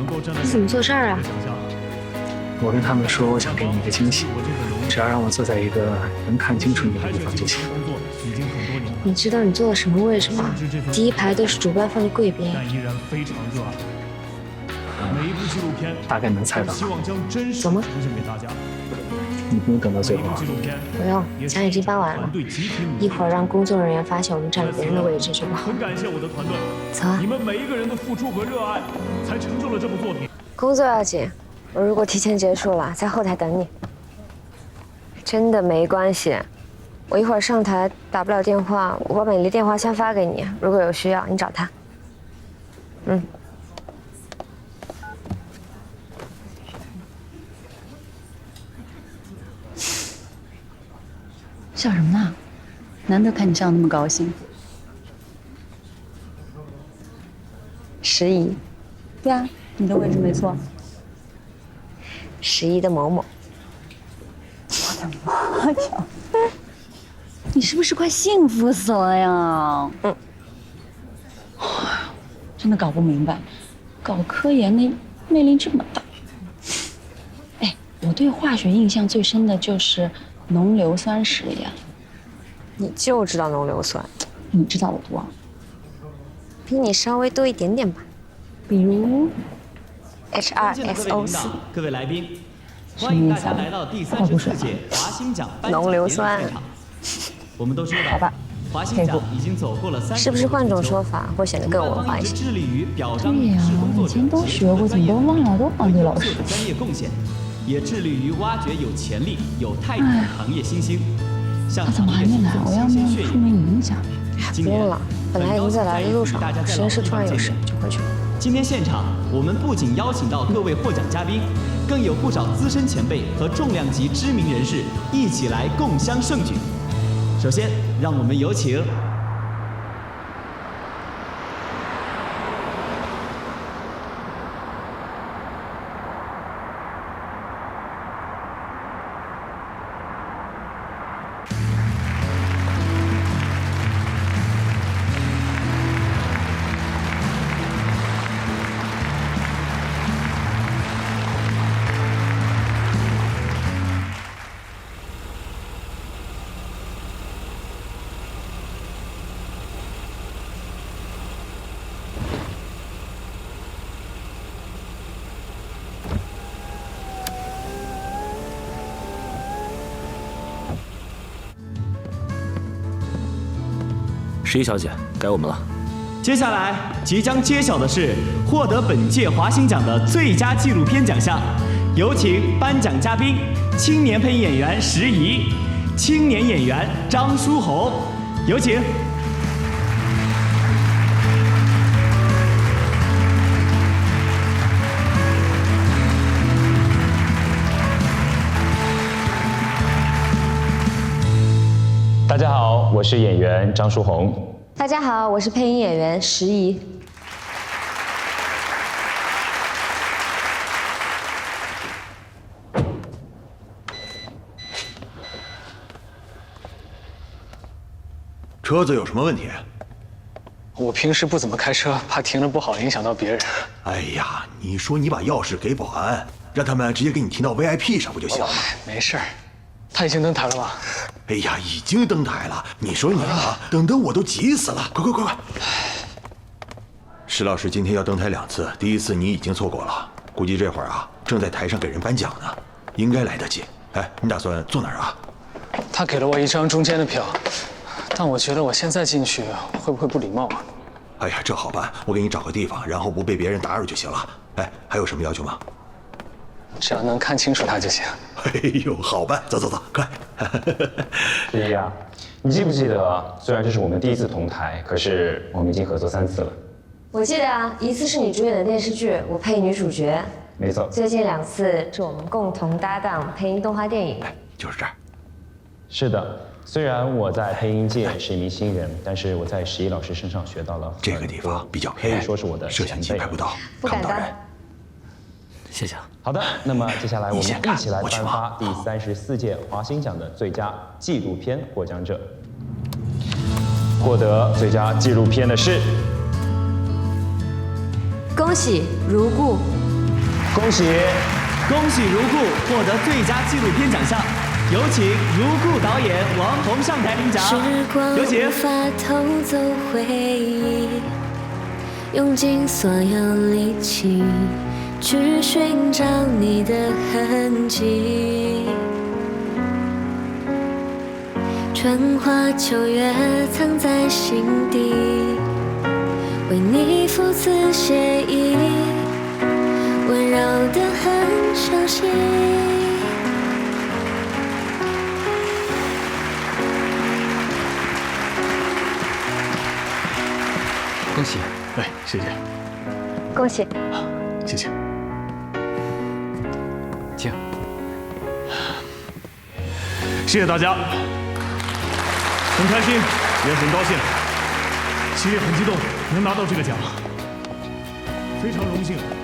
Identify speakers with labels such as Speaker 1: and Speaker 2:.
Speaker 1: 你怎么做事儿啊？
Speaker 2: 我跟他们说，我想给你一个惊喜，只要让我坐在一个能看清楚你的地方就行。
Speaker 1: 你知道你坐的什么位置吗？第一排都是主办方的贵宾。
Speaker 2: 大概能猜到。
Speaker 1: 走吗？
Speaker 2: 你不用等到最后啊。
Speaker 1: 不用，奖已经颁完了，一会儿让工作人员发现我们占了别人的位置就不好。
Speaker 3: 很感谢我的团队，
Speaker 1: 走啊！
Speaker 3: 你们每一个人的付出和热爱，才成就了这部作品。
Speaker 1: 工作要紧，我如果提前结束了，在后台等你。真的没关系，我一会儿上台打不了电话，我把美丽电话先发给你，如果有需要你找她。嗯。
Speaker 4: 笑什么呢？难得看你笑得那么高兴。
Speaker 1: 11。
Speaker 4: 对啊，你的位置没错。
Speaker 1: 11的某某。
Speaker 4: 我的妈呀！你是不是快幸福死了呀？
Speaker 1: 嗯。
Speaker 4: 真的搞不明白，搞科研的魅力这么大。哎，我对化学印象最深的就是浓硫酸实验。
Speaker 1: 你就知道浓硫酸，
Speaker 4: 你知道我多？
Speaker 1: 比你稍微多一点点吧。
Speaker 4: 比如
Speaker 1: H2SO4。
Speaker 5: 各位来宾，欢迎大家来到第34届华星奖颁奖典礼现场。我们都知道，华星奖已经走过了30。
Speaker 1: 是不是换种说法会显得更文化一些？
Speaker 5: 致力于表彰
Speaker 4: 对呀，以前都学过，怎么都忘了？都忘记老师。
Speaker 5: 专业贡献，也致力于挖掘有潜力、有态度的行业新星。
Speaker 4: 他怎么还没来？我要没有出门影响。
Speaker 1: 不用了，本来已经在来的路上，实验室突然有事，就回去了。
Speaker 5: 今天现场，我们不仅邀请到各位获奖嘉宾，更有不少资深前辈和重量级知名人士一起来共襄盛举。首先，让我们有请
Speaker 6: 11小姐，该我们了。
Speaker 5: 接下来即将揭晓的是获得本届华星奖的最佳纪录片奖项，有请颁奖嘉宾：青年配音演员石怡，青年演员张书红，有请。
Speaker 7: 大家好，我是演员张书红。
Speaker 1: 大家好，我是配音演员石怡。
Speaker 8: 车子有什么问题？
Speaker 2: 我平时不怎么开车，怕停了不好影响到别人。
Speaker 8: 哎呀，你说你把钥匙给保安，让他们直接给你停到 VIP 上不就行了？
Speaker 2: 没事儿，他已经登台了吗？
Speaker 8: 哎呀，已经登台了。你说你啊，等得我都急死了。快快快快！石老师今天要登台2次，第一次你已经错过了，估计这会儿啊正在台上给人颁奖呢，应该来得及。哎，你打算坐哪儿啊？
Speaker 2: 他给了我一张中间的票，但我觉得我现在进去会不会不礼貌啊？
Speaker 8: 哎呀，这好办，我给你找个地方，然后不被别人打扰就行了。哎，还有什么要求吗？
Speaker 2: 只要能看清楚他就行。
Speaker 8: 哎呦，好办，走走走，快！
Speaker 7: 石怡啊，你记不记得？虽然这是我们第一次同台，可是我们已经合作3次了。
Speaker 1: 我记得啊，一次是你主演的电视剧，我配女主角。
Speaker 7: 没错。
Speaker 1: 最近2次是我们共同搭档配音动画电影。
Speaker 8: 就是这儿。
Speaker 7: 是的，虽然我在配音界是一名新人，但是我在石怡老师身上学到了
Speaker 8: 这个地方比较偏，
Speaker 7: 可以说是我的
Speaker 8: 摄像机拍不到，
Speaker 1: 不敢当。
Speaker 6: 谢谢。
Speaker 7: 好的，那么接下来我们一起来颁发第34届华星奖的最佳纪录片获奖者。获得最佳纪录片的是，
Speaker 1: 恭喜如故。
Speaker 7: 恭喜！
Speaker 5: 恭喜如故获得最佳纪录片奖项，有请如故导演王彤上台领奖。有请。
Speaker 9: 无法偷走回忆，用尽所有力气去寻找你的痕迹。春花秋月藏在心底，为你赴此写意，温柔的很熟悉。
Speaker 6: 恭喜！
Speaker 3: 哎，谢谢，
Speaker 1: 恭喜！
Speaker 3: 谢谢。
Speaker 6: 请。
Speaker 3: 谢谢大家，很开心，也很高兴，其实也很激动，能拿到这个奖，非常荣幸。